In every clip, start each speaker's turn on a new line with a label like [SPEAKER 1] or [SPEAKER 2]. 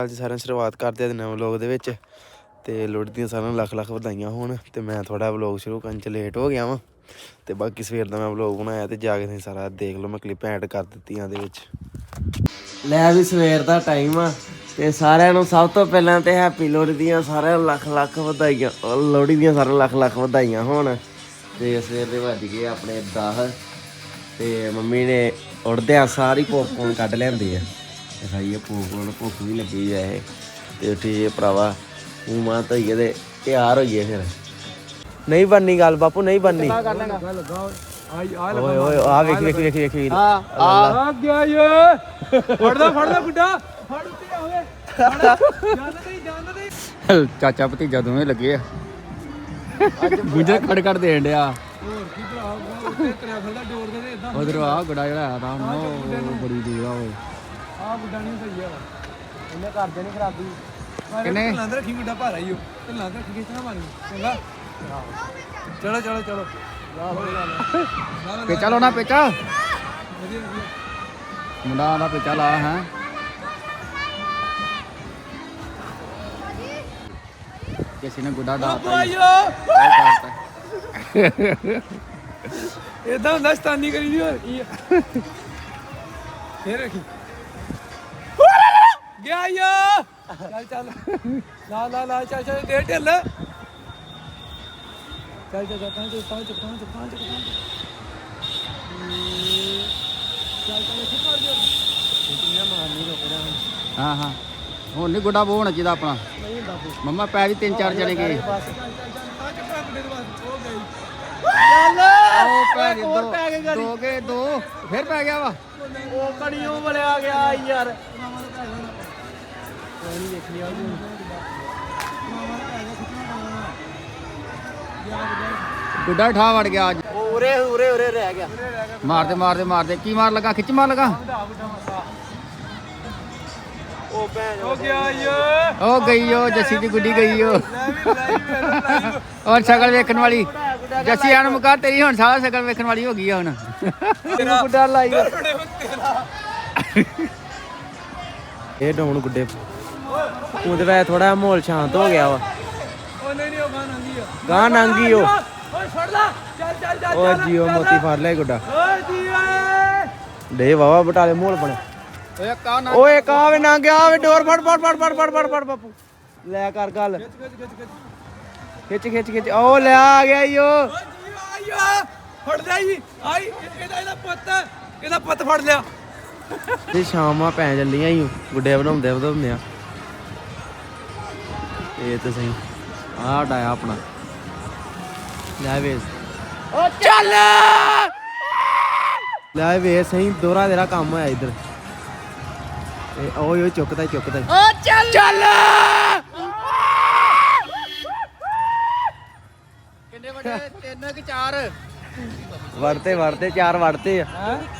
[SPEAKER 1] ਅੱਜ ਸਾਰਿਆਂ ਸ਼ੁਰੂਆਤ ਕਰਦੇ ਹਾਂ ਨਵੇਂ ਵਲੋਗ ਦੇ ਵਿੱਚ ਤੇ ਲੋਹੜੀ ਦੀਆਂ ਸਾਰਿਆਂ ਨੂੰ ਲੱਖ ਲੱਖ ਵਧਾਈਆਂ ਹੋਣ। ਤੇ ਮੈਂ ਥੋੜਾ ਵਲੋਗ ਸ਼ੁਰੂ ਕਰਨ ਚ ਲੇਟ ਹੋ ਗਿਆ ਵਾਂ ਤੇ ਬਾਕੀ ਸਵੇਰ ਦਾ ਮੈਂ ਵਲੋਗ ਬਣਾਇਆ ਤੇ ਜਾ ਕੇ ਤੁਸੀਂ ਸਾਰਾ ਦੇਖ ਲਓ। ਮੈਂ ਕਲਿੱਪ ਐਡ ਕਰ ਦਿੱਤੀਆਂ ਦੇ ਵਿੱਚ। ਲੈ ਵੀ ਸਵੇਰ ਦਾ ਟਾਈਮ ਆ ਤੇ ਸਾਰਿਆਂ ਨੂੰ ਸਭ ਤੋਂ ਪਹਿਲਾਂ ਤੇ ਹੈਪੀ ਲੋਹੜੀ ਦੀਆਂ ਸਾਰਿਆਂ ਨੂੰ ਲੱਖ ਲੱਖ ਵਧਾਈਆਂ। ਲੋਹੜੀ ਦੀਆਂ ਸਾਰਿਆਂ ਨੂੰ ਲੱਖ ਲੱਖ ਵਧਾਈਆਂ ਹੋਣ। ਤੇ ਸਵੇਰ ਦੇ ਵੱਜ ਗਏ ਆਪਣੇ 10 ਤੇ ਮੰਮੀ ਨੇ ਉੱਠਦਿਆਂ ਸਾਰੀ ਪੋਪਕੋਰਨ ਕੱਢ ਲਿਆਂਦੀ ਆ ਖਾਈਏ। ਪੋਪਕੋਰਨ ਭੁੱਖ ਵੀ ਲੱਗੀ ਆ ਇਹ ਤੇ ਉੱਠੀਏ ਭਰਾਵਾ ਮੂੰਹ ਮਾਂ ਧੋਈਏ ਤੇ ਤਿਆਰ ਹੋਈਏ। ਫਿਰ ਨਹੀਂ ਬਣਨੀ ਗੱਲ ਬਾਪੂ, ਨਹੀਂ ਬਣਨੀ। ਓਏ ਓਏ ਆ ਵੇਖ ਵੇਖ ਵੇਖ ਵੇਖ ਆ ਗਿਆ ਏ। ਫੜਦਾ ਗੁੱਡਾ ਫੜ ਉੱਤੇ ਆਵੇ। ਜਾਨ ਨਹੀਂ
[SPEAKER 2] ਚਾਚਾ ਭਤੀਜਾ ਦੋਵੇਂ ਲੱਗੇ ਆ। ਗੁੱਜਰ ਖੜ ਦੇਣ ਡਿਆ।
[SPEAKER 1] ਹੋਰ ਕੀ ਭਰਾ ਉੱਤੇ ਤਰਿਆ ਫਿਰਦਾ ਡੋਰ ਦੇ ਇਦਾਂ।
[SPEAKER 2] ਉਧਰ ਆ ਗੁੱਡਾ ਜਿਹੜਾ ਆ ਤਾਂ ਉਹ ਬੜੀ ਦੂਰ ਆ। ਓਏ
[SPEAKER 1] ਆ ਗੁੱਡਾ ਨਹੀਂ ਸਹੀ ਆ, ਇਹਨੇ ਕਰਦੇ ਨਹੀਂ ਖਰਾਬੀ।
[SPEAKER 2] ਕਿੰਨੇ
[SPEAKER 1] ਢਿੱਲਾਂ ਤੇ ਰੱਖੀ ਗੁੱਡਾ ਭਾਰਾ ਹੀ ਉਹ ਢਿੱਲਾਂ ਤੇ ਰੱਖੀ ਖਿੱਚਣਾ ਮਾਰੀ ਚੰਗਾ। ਚਲੋ
[SPEAKER 2] ਪੇਚਾ ਲਾਉਣਾ ਪੇਚਾ
[SPEAKER 1] ਵਧੀਆ
[SPEAKER 2] ਮੁੰਡਾ ਆਉਂਦਾ ਪੇਚਾ ਲਾ ਹੈ। ਕਿਸੇ ਨੇ ਗੁੱਡਾ ਡਾਤਾ
[SPEAKER 1] ਏਦਾਂ ਹੁੰਦਾ ਸਤਾਨੀ ਕਰੀ ਦੀ। ਹੋਰ ਕੀ ਆ ਫੇਰ ਰੱਖੀ ਗਿਆ ਯਾ। ਚੱਲ ਲਾ ਚੱਲ ਦੇ ਢਿੱਲ। ਚੱਲ ਪੰਜ
[SPEAKER 2] ਹਾਂ ਹਾਂ ਹੁਣ ਨਹੀਂ ਗੁੱਡਾ ਬੋ ਹੋਣਾ ਚਾਹੀਦਾ ਆਪਣਾ। ਮੰਮਾ ਪੈ ਵੀ 3-4 ਜਣੇ ਗਏ। ਦੋ ਗਏ ਦੋ ਫਿਰ ਪੈ ਗਿਆ ਵਾ।
[SPEAKER 1] ਉਹ ਕੜੀਓ ਬਲਿਆ ਗਿਆ ਯਾਰ।
[SPEAKER 2] ਗੁੱਡਾ ਠਾ ਵੜ ਗਿਆ ਅੱਜ।
[SPEAKER 1] ਉਰੇ ਰਹਿ ਗਿਆ।
[SPEAKER 2] ਮਾਰਦੇ ਕੀ ਮਾਰ ਲਗਾ ਖਿੱਚ ਮਾਰ ਲਗਾ।
[SPEAKER 1] ਉਹ ਭੈਣ ਹੋ ਗਿਆ
[SPEAKER 2] ਉਹ ਗਈ ਉਹ ਜੱਸੀ ਦੀ ਗੁੱਡੀ ਗਈ ਉਹ। ਔਰ ਸ਼ਕਲ ਵੇਖਣ ਵਾਲੀ ਜੱਸੀ ਆਣ ਮੁਕਾ ਤੇਰੀ ਹੁਣ ਸਾਰਾ ਸ਼ਕਲ ਵੇਖਣ ਵਾਲੀ ਹੋ ਗਈ ਆ ਹੁਣ।
[SPEAKER 1] ਗੁੱਡਾ ਲਾਈ ਇਹ ਡਾਉਣ ਗੁੱਡੇ ਉਹਦੇ ਵੈ ਥੋੜਾ ਮਾਹੌਲ ਸ਼ਾਂਤ ਹੋ ਗਿਆ ਵਾ। ਉਹ ਨਹੀਂ ਉਹ ਗਾਂ ਨੰਗੀ ਉਹ ਫੜ ਲਾ। ਚੱਲ ਉਹ ਜੀਓ ਮੋਤੀ ਫੜ ਲਿਆ ਗੁੱਡਾ। ਓਏ ਜੀਓ ਡੇ ਵਾਵਾ ਬਟਾਲੇ ਮਾਹੌਲ ਬਣੇ। ਓਏ ਕਾਵੇ ਨਾ ਗਿਆ ਵੇ ਡੋਰ ਫੜ ਬਾਪੂ ਲੈ ਕਰ ਗੱਲ। ਖਿੱਚ ਓ ਲੈ ਆ ਗਿਆ ਈ ਓ ਫੜ ਲਿਆ ਈ। ਆਈ ਇਹਦਾ ਪੁੱਤ ਫੜ ਲਿਆ। ਇਹ ਸ਼ਾਮਾਂ ਪੈ ਚੱਲੀਆਂ ਈ ਗੁੱਡੇ ਬਣਾਉਂਦੇ ਆ। ਇਹ ਤਾਂ ਸਹੀ ਆਹ ਡਾਇਆ ਆਪਣਾ ਲੈ ਵੇਸ। ਓ ਚੱਲ ਲੈ ਵੇ ਸਹੀ ਦੋਰਾ ਤੇਰਾ ਕੰਮ ਹੋਇਆ ਇੱਧਰ। ਓਏ ਚੁੱਕਦਾ ਓ ਚੱਲ
[SPEAKER 2] ਕਿੰਨੇ ਵੱਡੇ 3 ਕਿ 4
[SPEAKER 1] ਵੜਤੇ 4 ਵੜਤੇ ਆ।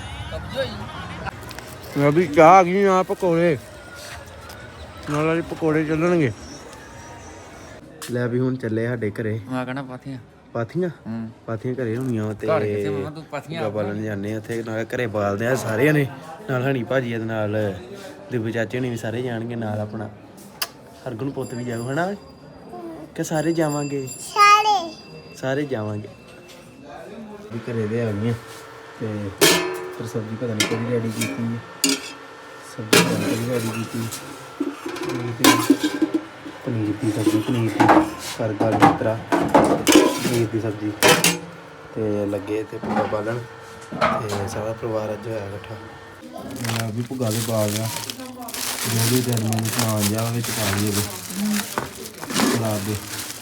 [SPEAKER 1] ਮੈਂ ਵੀ ਚਾਹ ਆ ਗਈ ਆ ਪਕੌੜੇ ਨਾਲ ਵਾਲੀ ਪਕੌੜੇ ਚੱਲਣਗੇ। ਲੈ ਵੀ ਹੁਣ ਚੱਲੇ ਸਾਡੇ ਘਰੇ।
[SPEAKER 2] ਮੈਂ ਕਹਣਾ
[SPEAKER 1] ਪਾਥੀਆਂ ਘਰੇ ਹੋਣੀਆਂ ਤੇ ਬਾਲਣ ਜਾਂਦੇ ਉੱਥੇ ਨਾਲ ਘਰੇ ਬਾਲਦੇ ਆ ਸਾਰਿਆਂ ਨੇ। ਨਾਲ ਹਣੀ ਭਾਜੀ ਦੇ ਨਾਲ ਦਿਬੂ ਚਾਚੇ ਹੋਣੀ ਵੀ ਸਾਰੇ ਜਾਣਗੇ ਨਾਲ। ਆਪਣਾ ਹਰਗੁਣ ਪੁੱਤ ਵੀ ਜਾਊ ਹਨਾ ਕਿ ਸਾਰੇ ਜਾਵਾਂਗੇ। ਸਾਰੇ ਜਾਵਾਂਗੇ ਵੀ ਘਰੇ ਦੇ ਆ ਗਈਆਂ ਤੇ ਫਿਰ ਸਬਜ਼ੀ ਪਤਾ ਨਹੀਂ ਕਿਹੜੀ ਰੈਡੀ ਕੀਤੀ। ਸਬਜ਼ੀ ਰੈਡੀ ਕੀਤੀ ਪਨੀਰ ਦੀ ਸਬਜ਼ੀ ਕਰ ਗਾਲ ਮਿੱਤਰਾ ਪਨੀਰ ਦੀ ਸਬਜ਼ੀ ਤੇ ਲੱਗੇ ਤੇ ਭੁੱਗਾ ਬਾਲਣ ਤੇ ਸਾਰਾ ਪਰਿਵਾਰ ਅੱਜ ਹੋਇਆ ਇਕੱਠਾ। ਮੈਂ ਵੀ ਭੁੱਗਾ ਦੇ ਬਾਲ ਗਿਆ ਜੋ ਵੀ ਦਿਨ ਮੈਨੂੰ ਸਮਾਨ ਜਾ ਵਿੱਚ ਪਾ ਲਈਏ ਸਲਾਦ ਦੇ।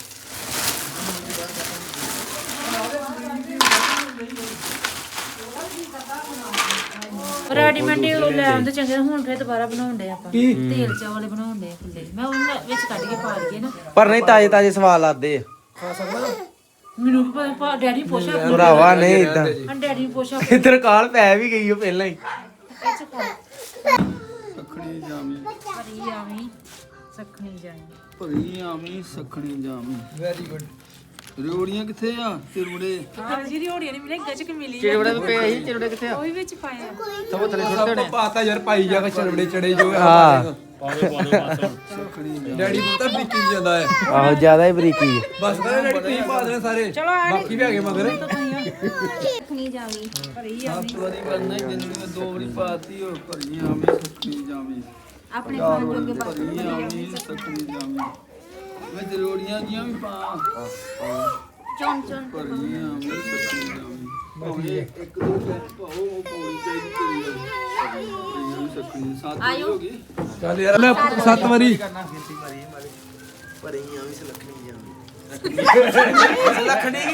[SPEAKER 3] ਰੈਡੀਮੇਡ ਲੈ ਆਉਂਦੇ ਚੰਗੇ। ਹੁਣ ਫਿਰ ਦੁਬਾਰਾ ਬਣਾਉਂਦੇ ਆਪਾਂ ਤੇਲ ਚਾਵਲ ਬਣਾਉਂਦੇ ਖੁੱਲੇ। ਮੈਂ ਉਹਨਾਂ ਵਿੱਚ ਕੱਢ ਕੇ ਪਾ ਲਈਏ ਨਾ।
[SPEAKER 1] ਪਰ ਨਹੀਂ ਤਾਜ਼ੇ ਸਵਾਦ ਲੱਗਦੇ ਆ।
[SPEAKER 3] ਮੈਨੂੰ ਵੀ ਪਤਾ ਡੈਡੀ ਪੁੱਛਿਆ
[SPEAKER 1] ਭਰਾਵਾ ਨਹੀਂ ਇਦਾਂ।
[SPEAKER 3] ਡੈਡੀ ਨੂੰ ਪੁੱਛਿਆ
[SPEAKER 1] ਇੱਧਰ ਕਾਲ ਪੈ ਵੀ ਗਈ ਉਹ ਪਹਿਲਾਂ ਹੀ।
[SPEAKER 2] ਭਰੀ ਆਵੀਂ ਸਖਣੀ ਜਾਵੀਂ। Very good. ਰਿਓੜੀਆਂ ਕਿੱਥੇ ਆ? ਚਿਰਵੜੇ
[SPEAKER 3] ਜੀ ਰਿਓੜੀਆਂ ਨਹੀਂ ਮਿਲੇ ਗੱਜ ਕੇ ਮਿਲੀ।
[SPEAKER 2] ਚਿਰਵੜੇ ਵੀ ਪਏ ਸੀ। ਚਿਰਵੜੇ ਕਿੱਥੇ ਆ?
[SPEAKER 3] ਉਹ ਵੀ ਵਿੱਚ ਪਾਇਆ
[SPEAKER 2] ਸਭ ਥੱਲੇ ਸੁੱਟ ਦੇਣੇ
[SPEAKER 1] ਪਾਤਾ ਯਾਰ ਪਾਈ ਜਾ ਕੇ ਚਿਰਵੜੇ ਚੜੇ ਜੋ। ਹਾਂ
[SPEAKER 2] ਡੈਡੀ ਬਹੁਤਾ ਬਰੀਕੀ ਜਾਂਦਾ ਹੈ
[SPEAKER 1] ਆਹੋ ਜ਼ਿਆਦਾ ਹੀ ਬਰੀਕੀ ਹੈ।
[SPEAKER 2] ਬਸ ਕਰ ਡੈਡੀ ਤੁਸੀਂ ਪਾ ਦੇਣਾ ਸਾਰੇ ਬਾਕੀ ਵੀ ਹੈਗੇ ਮਗਰ
[SPEAKER 4] ਦੇਖਣੀ ਜਾਵੀ
[SPEAKER 5] ਵਾਰੀ ਕਰਨਾ ਹੀ ਜਿੰਨੇ ਦੋ ਵਾਰੀ ਪਾਤੀ ਉਹ ਭਰੀਆਂ ਆਵੇਂ ਸੁੱਕੀ ਜਾਵੀਂ
[SPEAKER 4] ਆਪਣੇ ਖਾਣ ਜੋਗੇ ਬਸ
[SPEAKER 5] ਭਰੀਆਂ ਆਵੇਂ ਸੁੱਕੀ ਜਾਵੀਂ ਮੈਂ ਜ਼ਰੂਰੀਆਂ ਜੀਆਂ ਵੀ ਪਾ
[SPEAKER 4] ਚੌਂ ਚੌਂ
[SPEAKER 5] ਭਰੀਆਂ ਆਵੇਂ ਸੁੱਕੀ ਜਾਵੀਂ ਭਾਵੇਂ ਇੱਕ ਦੋ ਪੈਕ ਪਾਓ ਉਹ ਪਾਉਣੀ ਚਾਹੀਦੀ ਭਰੀਆਂ ਵੀ ਸੁੱਕੀ ਸਾਥ ਹੋ ਗਈ
[SPEAKER 2] ਚੱਲ ਯਾਰ ਲੈ 7 ਵਾਰੀ
[SPEAKER 1] ਪਰ ਇਹ ਵੀ ਸਲਖਣੀ ਜਾਂਦੀ
[SPEAKER 4] ਸਲਖਣੀ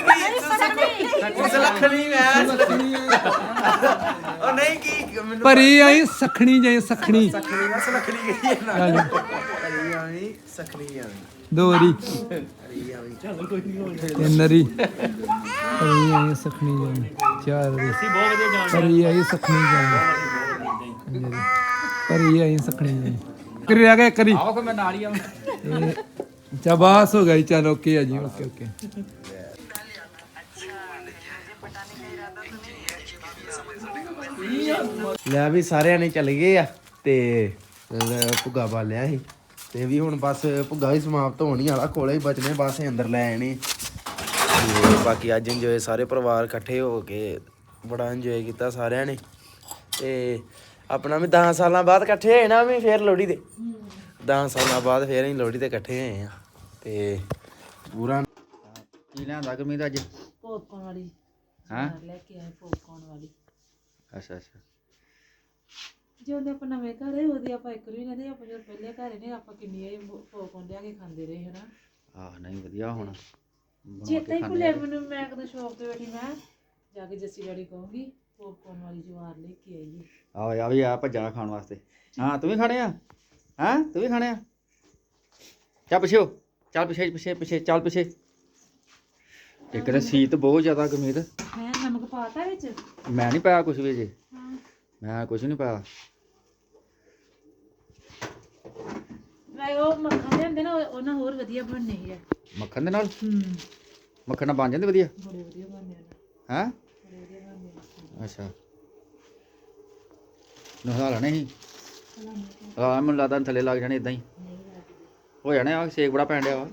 [SPEAKER 1] ਸਲਖਣੀ ਮੈਂ ਉਹ ਨਹੀਂ ਕੀ ਮੈਨੂੰ
[SPEAKER 2] ਭਰੀ ਆਈ ਸਖਣੀ ਜਾਈ ਸਖਣੀ
[SPEAKER 1] ਸਖਣੀ ਮੈਂ ਸਲਖਣੀ ਗਈ ਨਾ ਭਰੀ ਆਵੀਂ ਸਖਣੀ ਜਾਂਦੀ
[SPEAKER 2] ਦੋ ਵਾਰੀ
[SPEAKER 1] ਭਰੀ ਆਵੀਂ ਚੱਲ ਕੋਈ ਨਹੀਂ
[SPEAKER 2] ਤਿੰਨ ਵਾਰੀ ਭਰੀ ਆਈ ਸਖਣੀ ਜਾਈ ਚਾਰ ਵਾਰੀ ਭਰੀ ਆਈ ਸਖਣੀ ਜਾਈ ਭਰੀ ਆਈ ਸਖਣੀ ਜਾਈ ਕਰੀ ਰਹਿ ਗਿਆ ਕਰੀ ਆਓ ਮੈਂ ਨਾਲ ਹੀ ਆਵਾਂ ਚਬਾਸ ਹੋ ਗਈ ਚਲ ਓਕੇ ਆ ਜੀ ਓਕੇ ਓਕੇ
[SPEAKER 1] ਲੈ ਵੀ ਸਾਰਿਆਂ ਨੇ ਚੱਲ ਗਏ ਆ ਤੇ ਭੁੱਗਾ ਬਾਲਿਆ ਸੀ ਤੇ ਵੀ ਹੁਣ ਬਸ ਭੁੱਗਾ ਵੀ ਸਮਾਪਤ ਹੋਣੀ ਵਾਲਾ ਕੋਲੇ ਹੀ ਬਚਨੇ ਬਸ ਅੰਦਰ ਲੈ ਆਣੇ ਤੇ ਬਾਕੀ ਅੱਜ ਇੰਜੋਏ ਸਾਰੇ ਪਰਿਵਾਰ ਇਕੱਠੇ ਹੋ ਕੇ ਬੜਾ ਇੰਜੋਏ ਕੀਤਾ ਸਾਰਿਆਂ ਨੇ ਤੇ ਆਪਣਾ ਵੀ 10 ਸਾਲਾਂ ਬਾਅਦ ਇਕੱਠੇ ਹੋਏ ਨਾ ਵੀ ਫੇਰ ਲੋਹੜੀ ਤੇ 10 ਸਾਲਾਂ ਬਾਅਦ ਫੇਰ ਅਸੀਂ ਲੋਹੜੀ ਤੇ ਇਕੱਠੇ ਹੋਏ ਆ ਤੇ ਪੂਰਾ
[SPEAKER 2] ਕੀ ਲਿਆਂਦਾ ਗਰਮੀ ਦਾ ਅੱਜ
[SPEAKER 3] ਪੋਪਕੌਰਨ ਵਾਲੀ
[SPEAKER 2] ਹਾਂ
[SPEAKER 3] ਲੈ ਕੇ ਆਏ ਪੋਪਕੌਰਨ ਵਾਲੀ
[SPEAKER 2] ਅੱਛਾ ਅੱਛਾ
[SPEAKER 3] ਜਦੋਂ ਆਪਾਂ ਨਵੇਂ ਘਰ ਆਏ ਉਹਦੀ ਆਪਾਂ ਇੱਕ ਵੀ ਨਹੀਂ ਆਪਾਂ ਜਦੋਂ ਪਹਿਲੇ ਘਰ ਨੇ ਆਪਾਂ ਕਿੰਨੀ ਇਹ ਪੋਪਕੌਰਨ ਲਿਆ ਕੇ ਖਾਂਦੇ ਰਹੇ ਹਨਾ
[SPEAKER 2] ਆਹ ਨਹੀਂ ਵਧੀਆ ਹੁਣ
[SPEAKER 3] ਚੇਤਾ ਹੀ ਭੁੱਲਿਆ ਮੈਨੂੰ ਮੈਂ ਕਦੋਂ ਸ਼ੌਪ ਤੇ ਬੈਠੀ ਮੈਂ ਜਾ ਕੇ ਜੱਸੀ ਡੈਡੀ ਕਹੂੰਗੀ ਪੋਪਕੌਰਨ ਵਾਲੀ ਜਵਾਰ ਲੈ ਕੇ ਆਈਏ
[SPEAKER 2] ਆ ਵੀ ਆ ਭੱਜਾ ਖਾਣ ਵਾਸਤੇ ਹਾਂ ਤੂੰ ਵੀ ਖਾਣੇ ਆ ਹਾਂ ਤੂੰ ਵੀ ਖਾਣੇ ਆ ਚੱਲ ਪਿੱਛੇ ਹੋ ਚੱਲ ਪਿੱਛੇ ਪਿੱਛੇ ਪਿੱਛੇ ਚੱਲ ਪਿੱਛੇ ਇੱਕ ਤਾਂ ਸੀਤ ਬਹੁਤ ਜ਼ਿਆਦਾ ਗਮੀਤ
[SPEAKER 3] ਮੈਂ ਨਮਕ ਪਾਤਾ ਵਿੱਚ
[SPEAKER 2] ਮੈਂ ਨਹੀਂ ਪਾਇਆ ਕੁਝ ਵੀ ਜੇ
[SPEAKER 3] ਹਾਂ
[SPEAKER 2] ਮੈਂ ਕੁਝ ਨਹੀਂ ਪਾਇਆ
[SPEAKER 3] ਮੈਂ ਉਹ ਮੱਖਣ ਲਿਆਂਦੇ ਨਾ ਉਹਨਾਂ ਹੋਰ ਵਧੀਆ ਬਣਨੇ ਸੀ
[SPEAKER 2] ਮੱਖਣ ਦੇ ਨਾਲ
[SPEAKER 3] ਹੂੰ
[SPEAKER 2] ਮੱਖਣ ਨਾਲ ਬਣ ਜਾਂਦੇ ਵਧੀਆ
[SPEAKER 3] ਬੜੇ ਵਧੀਆ ਬਣਨੇ ਨੇ
[SPEAKER 2] ਹੈਂ
[SPEAKER 3] ਬੜੇ ਵਧੀਆ ਬਣਨੇ
[SPEAKER 2] ਅੱਛਾ ਨਹਾ ਲੈਣੇ ਸੀ ਆ ਮੈਨੂੰ ਲੱਗਦਾ ਥੱਲੇ ਲੱਗ ਜਾਣੇ ਇਦਾਂ ਹੀ ਹੋ ਜਾਣੇ ਆ ਸੇਕ ਬੜਾ ਪੈਣ ਡਿਆ ਵਾ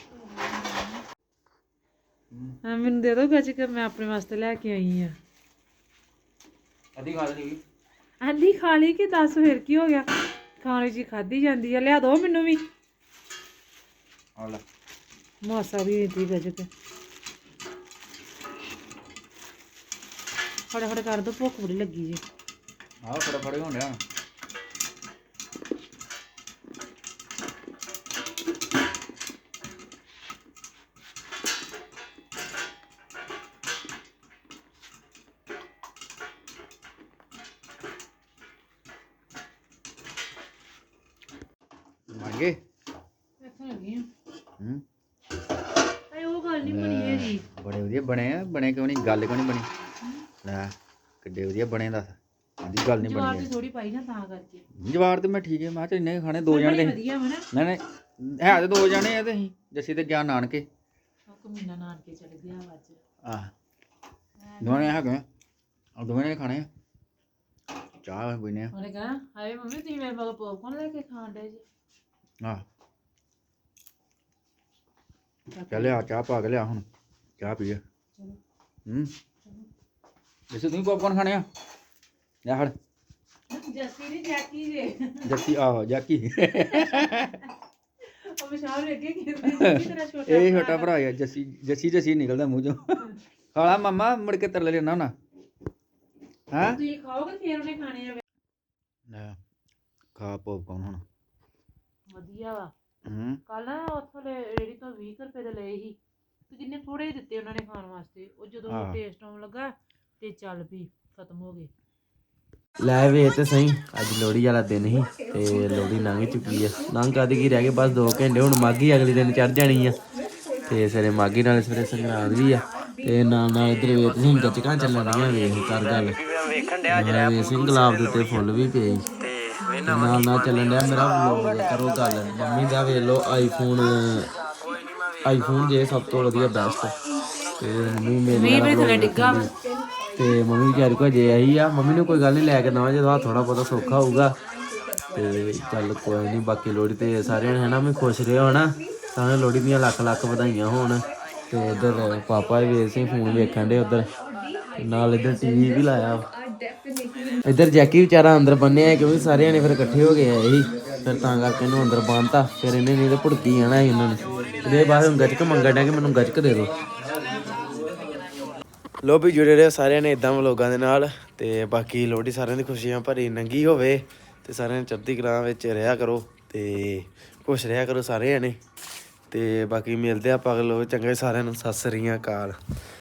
[SPEAKER 3] ਹਾਂ ਮੈਨੂੰ ਦੇ ਦੋ ਗੱਜ ਕੇ ਮੈਂ ਆਪਣੇ ਵਾਸਤੇ ਲੈ ਕੇ ਆਈ ਆ
[SPEAKER 2] ਅੱਧੀ ਖਾ ਲਈ
[SPEAKER 3] ਆਂਦੀ ਖਾ ਲਈ ਕਿ ਦੱਸ ਫਿਰ ਕੀ ਹੋ ਗਿਆ ਖਾਣੇ ਜੀ ਖਾਦੀ ਜਾਂਦੀ ਆ ਲਿਆ ਦੋ ਮੈਨੂੰ ਵੀ
[SPEAKER 2] ਆ ਲੈ
[SPEAKER 3] ਮਾਸਾ ਵੀ ਇੰਤੀ ਗੱਜ ਕੇ ਫਟਾਫਟ ਕਰ ਦੋ ਭੁੱਖ ਬੜੀ ਲੱਗੀ ਜੀ
[SPEAKER 2] ਆਹ ਫਟਾਫਟ ਹੋਣ ਡਿਆ ਮੰਗੇ
[SPEAKER 3] ਇੱਥੋਂ ਲੱਗੀ ਆ
[SPEAKER 2] ਹੂੰ
[SPEAKER 3] ਆਏ ਉਹ ਗੱਲ ਨਹੀਂ ਬਣੀ ਹੈਗੀ
[SPEAKER 2] ਬੜੇ ਵਧੀਆ ਬਣੇ ਆ ਬਣੇ ਕਿਉਂ ਨਹੀਂ ਗੱਲ ਕਿਉਂ ਨਹੀਂ ਬਣੀ ਲੈ ਕਿੱਡੇ ਵਧੀਆ ਬਣੇ ਦੱਸ ਆਦੀ ਗੱਲ ਨਹੀਂ
[SPEAKER 3] ਜਵਾਰ
[SPEAKER 2] ਬਣੀ
[SPEAKER 3] ਦੀ ਥੋੜੀ ਪਾਈ ਨਾ ਤਾਂ ਕਰਕੇ
[SPEAKER 2] ਜਵਾਰ ਤੇ ਮੈਂ ਠੀਕ ਹੈ ਮੈਂ ਕਿਹਾ ਇੰਨੇ ਖਾਣੇ ਦੋ
[SPEAKER 3] ਬੜੀ
[SPEAKER 2] ਜਣੇ
[SPEAKER 3] ਵਧੀਆ ਵਾ ਨਾ
[SPEAKER 2] ਨਹੀਂ ਨਹੀਂ ਹੈ ਤੇ ਦੋ ਜਣੇ ਆ ਤੇ ਅਸੀਂ ਜੱਸੀ ਤੇ ਗਿਆ ਨਾਨਕੇ
[SPEAKER 3] ਕਮੀਨਾ ਨਾਨਕੇ ਚਲ ਗਿਆ ਵਾ ਅੱਜ
[SPEAKER 2] ਆਹ ਦੋਵੇਂ ਨੇ ਹੈਗੇ ਆ ਦੋਵੇਂ ਨੇ ਖਾਣੇ ਆ ਚਾਹ ਪੀਨੇ ਆ
[SPEAKER 3] ਉਹਨੇ ਕਹਾ ਹਾਏ ਮੰਮੀ ਤੁਸੀਂ ਮੇਰੇ ਮਗਰ ਪੋਪਕੌਰਨ ਲੈ ਕੇ ਖਾਣ ਡੇ ਜੀ
[SPEAKER 2] ਆਹ ਚੱਲ ਆ ਚਾਹ ਪਾ ਕੇ ਲਿਆ ਹੁਣ ਚਾਹ ਪੀਏ ਹੂੰ ਜੱਸੀ ਤੂੰ ਪੌਪਕੌਰਨ ਖਾਣੇ ਆ ਲੈ ਹੜ
[SPEAKER 3] ਜੱਸੀ ਦੀ ਜੈਕੀ ਜੇ
[SPEAKER 2] ਜੱਸੀ ਆਹੋ ਜਾਕੀ
[SPEAKER 3] ਉਹ ਵਿਸ਼ਾਲ ਵੇਖ ਕੇ ਕਿਹਦੇ ਤੇਰਾ ਛੋਟਾ
[SPEAKER 2] ਇਹ ਛੋਟਾ ਭਰਾ ਆ ਜੱਸੀ ਜੱਸੀ ਜੱਸੀ ਨਿਕਲਦਾ ਮੂੰਹ ਚੋਂ ਖਾਲਾ ਮਮਾ ਮੁੜ ਕੇ ਤਰਲੇ ਲੈਣਾ ਹੁਣਾ ਹਾਂ
[SPEAKER 3] ਤੁਸੀਂ ਖਾਓਗੇ ਫੇਰ ਉਹਨੇ ਖਾਣੇ ਆ
[SPEAKER 2] ਲੈ ਖਾ ਪੌਪਕੌਰਨ ਹੁਣ
[SPEAKER 3] ਵਧੀਆ ਵਾ
[SPEAKER 2] ਹੂੰ
[SPEAKER 3] ਕੱਲ ਨਾ ਉੱਥੋਂ ਰੇੜੀ ਤੋਂ 20 ਰੁਪਏ ਦੇ ਲਏ ਸੀ ਤੇ ਕਿੰਨੇ ਥੋੜੇ ਹੀ ਦਿੱਤੇ ਉਹਨਾਂ ਨੇ ਖਾਣ ਵਾਸਤੇ ਉਹ ਜਦੋਂ
[SPEAKER 2] ਹਾਂ।
[SPEAKER 3] ਟੇਸਟ ਆਉਣ ਲੱਗਾ ਤੇ ਚੱਲ ਵੀ ਖਤਮ ਹੋ ਗਏ
[SPEAKER 1] ਲੈ ਵੇ ਤੇ ਸਹੀ ਅੱਜ ਲੋਹੜੀ ਵਾਲਾ ਦਿਨ ਸੀ ਤੇ ਲੋਹੜੀ ਲੰਘ ਚੁੱਕੀ ਆ ਲੰਘ ਕਦ ਕੀ ਰਹਿ ਗਏ ਬਸ 2 ਘੰਟੇ ਹੁਣ ਮਾਘੀ ਅਗਲੇ ਦਿਨ ਚੜ ਜਾਣੀ ਆ ਤੇ ਸਵੇਰੇ ਮਾਘੀ ਨਾਲ ਸਵੇਰੇ ਸੰਗਰਾਂਦ ਵੀ ਆ ਤੇ ਨਾਲ ਨਾਲ ਇਧਰ ਵੇਖ ਤੁਸੀਂ ਗੱਚਕਾਂ ਚੱਲਣੀਆਂ ਵੇਖ ਕਰ ਗੱਲ ਵੇਖ ਸਿੰਘ ਗੁਲਾਬ ਦੇ ਉੱਤੇ ਫੁੱਲ ਵੀ ਪਏ ਤੇ ਨਾਲ ਨਾਲ ਚੱਲਣ ਡਿਆ ਮੇਰਾ ਵਲੌਗ ਕਰੋ ਗੱਲ ਮੰਮੀ ਦਾ ਵੇਖ ਲਓ ਆਈਫੋਨ ਜੇ ਸਭ ਤੋਂ ਵਧੀਆ ਬੈਸਟ ਤੇ ਮੰਮੀ ਮੇਰੇ ਨਾਲ ਥੱਲੇ ਡਿੱਗਾ ਤੇ ਮੰਮੀ ਕਹਿ ਰਹੀ ਕੋ ਜੇ ਆਈ ਆ ਮੰਮੀ ਨੂੰ ਕੋਈ ਗੱਲ ਨਹੀਂ ਲੈ ਕੇ ਦਵਾਂ ਜਦੋਂ ਥੋੜਾ ਬਹੁਤਾ ਸੌਖਾ ਹੋਊਗਾ ਤੇ ਚੱਲ ਕੋਈ ਨਹੀਂ, ਬਾਕੀ ਲੋਹੜੀ ਤੇ ਸਾਰਿਆਂ ਨੇ ਹਨਾ ਵੀ ਖੁਸ਼ ਰਹੋ ਹਨਾ, ਸਾਰਿਆਂ ਨੂੰ ਲੋਹੜੀ ਦੀਆਂ ਲੱਖ ਲੱਖ ਵਧਾਈਆਂ ਹੋਣ। ਤੇ ਇੱਧਰ ਪਾਪਾ ਵੀ ਵੇਖ ਸੀ ਫੋਨ ਵੇਖਣ ਦੇ ਉੱਧਰ, ਨਾਲ ਇੱਧਰ ਟੀਵੀ ਵੀ ਲਾਇਆ। ਇੱਧਰ ਜੈਕੀ ਵਿਚਾਰਾ ਅੰਦਰ ਬੰਨਿਆ ਕਿਉਂਕਿ ਸਾਰੇ ਜਣੇ ਫਿਰ ਇਕੱਠੇ ਹੋ ਗਏ ਆਏ ਸੀ, ਫਿਰ ਤਾਂ ਕਰਕੇ ਇਹਨੂੰ ਅੰਦਰ ਬੰਨਤਾ। ਫਿਰ ਇਹਨੇ ਨਹੀਂ ਤੇ ਭੁੜਕੀ ਜਾਣਾ ਸੀ ਇਹਨਾਂ ਨੇ। ਇਹਦੇ ਬਾਅਦ ਹੁਣ ਗੱਚਕ ਮੰਗਣ ਡਿਆ ਕਿ ਮੈਨੂੰ ਗੱਚਕ ਦੇ ਦਿਓ। ਲੋ ਵੀ ਜੁੜੇ ਰਹੇ ਸਾਰਿਆਂ ਨੇ ਇਦਾਂ ਵਲੋਗਾਂ ਦੇ ਨਾਲ, ਤੇ ਬਾਕੀ ਲੋਹੜੀ ਸਾਰਿਆਂ ਦੀ ਖੁਸ਼ੀਆਂ ਭਰੀ ਨੰਗੀ ਹੋਵੇ, ਤੇ ਸਾਰਿਆਂ ਨੇ ਚੜ੍ਹਦੀ ਕਲਾ ਵਿੱਚ ਰਿਹਾ ਕਰੋ ਤੇ ਖੁਸ਼ ਰਿਹਾ ਕਰੋ ਸਾਰੇ ਜਣੇ। ਤੇ ਬਾਕੀ ਮਿਲਦੇ ਆਪਾਂ ਅਗਲੇ ਚੰਗੇ ਸਾਰਿਆਂ ਨੂੰ, ਸਤਿ ਸ੍ਰੀ ਅਕਾਲ।